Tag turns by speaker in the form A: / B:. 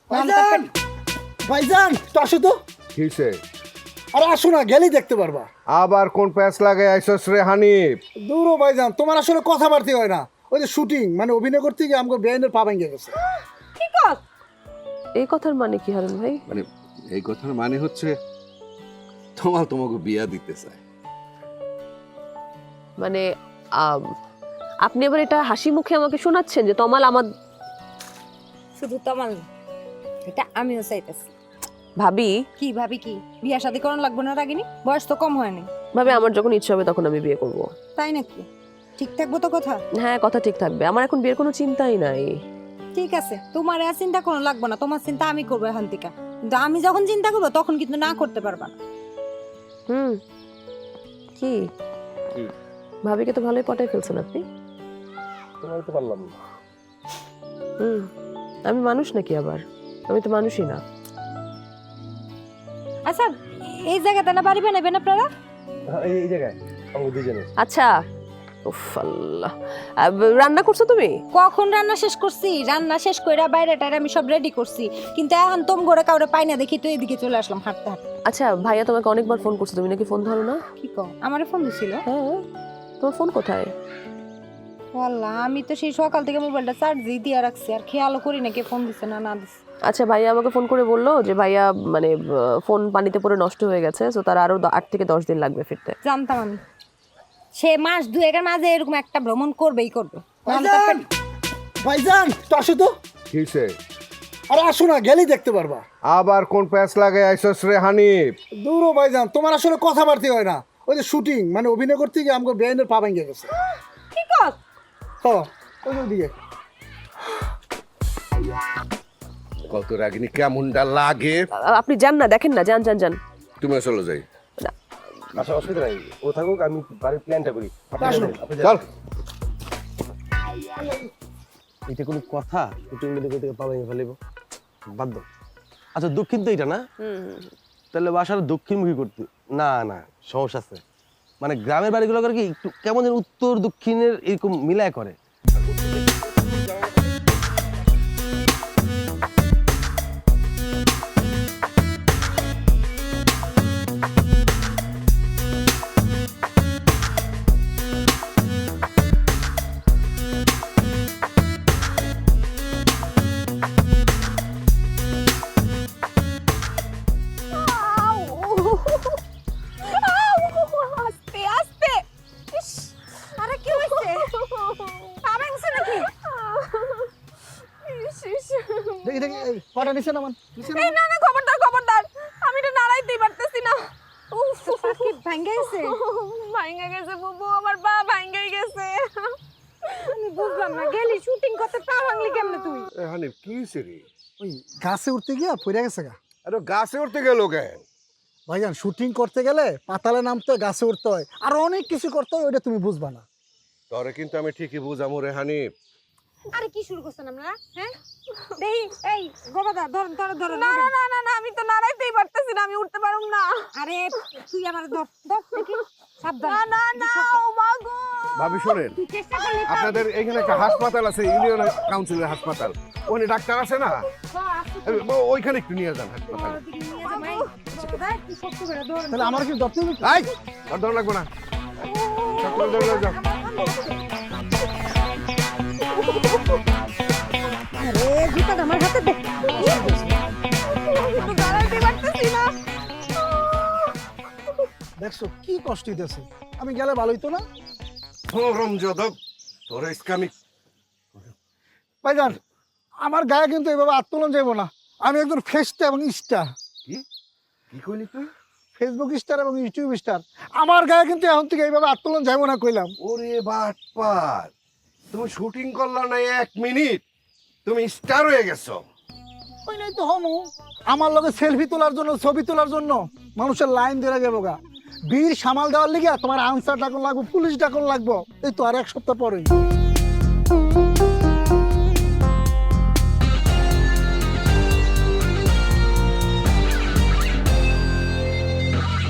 A: ভাইজান ভাইজান তো আসো তো।
B: কিসে
A: আরে আসো না, গেলেই দেখতে পারবা।
B: আবার কোন প্যাচ লাগে আইসস রে হানিফ?
A: দূরও ভাইজান, তোমার আসলে কথাবার্তা হয় না। ওই যে শুটিং মানে অভিনয় করতে গিয়ে আমাকে বেআইনের পা ভেঙে গেছে।
C: কি কস? এই কথার মানে কি হারুন ভাই?
B: মানে এই কথার মানে হচ্ছে তোমাকে বিয়া দিতে চায়।
C: মানে আপনি এবার এটা হাসি মুখে আমাকে শোনাচ্ছেন যে তমাল আমার?
D: শুধু তমাল না, এটা আমিও চাইতেছি।
C: ভাবি
D: কি ভাবি কি বিয়া শাদী করানো লাগবে না রাগিনী? বয়স তো কম হয়নি।
C: ভাবি আমার যখন ইচ্ছা হবে তখন আমি বিয়ে করব।
D: তাই নাকি? ঠিক থাকবো তো কথা?
C: হ্যাঁ কথা ঠিক থাকবে, আমার এখন বিয়ের কোনো চিন্তাই নাই।
D: ঠিক আছে, তোমার আর চিন্তা কোনো লাগবে না, তোমার চিন্তা আমি করবো এখন থেকে। কিন্তু আমি যখন চিন্তা করবো তখন কিন্তু না করতে পারবা না।
C: কি ভাবিকে তো ভালোই পটাই ফেলছেন আপনি।
E: তোমার তো পারলাম না।
C: আমি মানুষ নাকি আবার? আমি তো মানুষই না।
D: আচ্ছা, এই জায়গাতে না বাড়ি বানাবেন আপনারা?
E: এই জায়গায় আমরা দুজনে।
C: আচ্ছা উফ আল্লাহ, রান্না করছো তুমি?
D: কখন রান্না শেষ করছি? রান্না শেষ কইরা বাইরে টাইরে আমি সব রেডি করছি, কিন্তু এখন তোম ঘরে কাউরে পাই না দেখি তো এদিকে চলে আসলাম হাঁটতে হাঁটতে।
C: আচ্ছা ভাইয়া তোমাকে অনেকবার ফোন করছে, তুমি নাকি ফোন ধরো না?
D: কি কও? আমারে ফোন দিছিল?
C: হ্যাঁ, তোমার ফোন কোথায়?
D: ওয়াল্লাহ, আমি তো সেই সকাল থেকে মোবাইলটা চার্জই দিয়ে রাখছি, আর খেয়ালও করি না কে ফোন দিছে না দিছে।
C: আচ্ছা ভাইয়া আমাকে ফোন করে বললো যে ভাইয়া মানে ফোন পানিতে পড়ে নষ্ট হয়ে গেছে, তো তার আরো 8 থেকে 10 দিন লাগবে ফিরতে।
D: জানতাম আমি সে মাস দুয়েকের মাঝে এরকম একটা ভ্রমণ করবেই করবে।
A: ভাইজান ভাইজান তো আসো তো।
B: কিসে
A: আরে আসো না, গেলেই দেখতে পারবা।
B: আবার কোন প্যাচ লাগে আইসস রে হানিফ?
A: দূরও ভাইজান, তোমার আসলে কথাবার্তা হয় না। ওই যে শুটিং মানে অভিনয় করতে গিয়ে আমাকে বেআইনের পা ভেঙে গেছে।
D: কি কস?
A: হ্যাঁ, ওই যে ওদিকে।
B: কত রাগিনী কেমনটা লাগে?
C: আপনি যান না, দেখেন না, যান যান যান।
B: তুমি চলে যাই।
E: আচ্ছা অসুবিধা নাই, ও থাকুক, আমি বাড়ির প্ল্যানটা করি।
B: চল।
E: এটা কোনো কথা? শুটিং থেকে পাওয়া ফেলিব বাধ্য। আচ্ছা দক্ষিণ তো এটা না? তাহলে বাসার দক্ষিণমুখী করতে না না সমস্যা আছে। মানে গ্রামের বাড়িগুলো করে কি একটু কেমন যেন উত্তর দক্ষিণের এরকম মিলায় করে।
D: আস্তে আস্তে। ইস, আরে কি হইছে? পা ভাঙছে নাকি?
A: দেখি দেখি, এই পাটা নিচে নামান, নিচে
C: এই না না, খবরদার খবরদার, আমি এটা নাড়াইতেই পারতেছি না। উফ
D: কি ভাঙে গেছে?
C: ভাঙা গেছে বুবু, আমার পা ভাঙা গেছে।
D: আমি বুঝলাম না, গেলি শুটিং করতে পা ভাঙলি কেমনে তুই?
B: এ হানিফ কিসে রে?
A: ওই গাছে উঠতে গিয়া পড়ে গেছে গা।
B: আরে গাছে উঠতে গেল কেন?
A: ভাইজান শুটিং করতে গেলে পাতালে নামতে হয়, গাছে উঠতে হয়, আর অনেক কিছু করতে হয়, ওইটা তুমি বুঝবা না।
B: তোরে কিন্তু আমি ঠিকই বুঝামু রে হানিফ।
D: আরে কি শুরু করছেন আপনারা? হ্যাঁ দেই, এই গোবাদা ধর ধর ধর।
C: না না না না না, আমি তো নাড়াইতেই পারতেছি না, আমি উঠতে পারুম না।
D: আরে তুই আমার ধর ধর দেখি, সাবধান।
C: না না না, ও মা গো।
B: ভাবি শোনেন,
D: তুই চেষ্টা করলি
B: আপনাদের এখানে একটা হাসপাতাল আছে, ইউনিয়ন কাউন্সিলের হাসপাতাল, ওখানে ডাক্তার আছে না? ওইখানে একটু নিয়ে যান হাসপাতালে।
A: তাহলে আমার কি ধরতে হবে?
B: এই আর ধর লাগবে না, ডাক্তার ধরে যাও।
D: আরে জুতাটা আমার হাতে দে।
C: নাড়াইতেই পারতেছি না।
A: দেখছো কি কষ্ট হইতেছে, আমি গেলে ভালো হইতো না?
B: গরম যাদব তোর ইসকামি।
A: ভাইজান আমার গায়ে কিন্তু এইভাবে আত্মোলন যাইব না। আমি একজন ফেস্টা এবং স্টার,
B: কি কি কইলি তুই?
A: ফেসবুক স্টার এবং ইউটিউব স্টার। আমার গায়ে কিন্তু এখন থেকে এইভাবে আত্মোলন যাইব না কইলাম।
B: ওরে বাটপার, তুমি শুটিং করলা না 1 মিনিট, তুমি স্টার হয়ে গেছো।
A: ওই নাই তো হমু, আমার লগে সেলফি তোলার জন্য, ছবি তোলার জন্য মানুষের লাইন ধরে যাবো গা। বীর সামাল দেওয়ার লিগে তোমার আনসার ডাকন লাগবো, পুলিশ ডাকন লাগবো। এই তো আর 1 সপ্তাহ পরেই।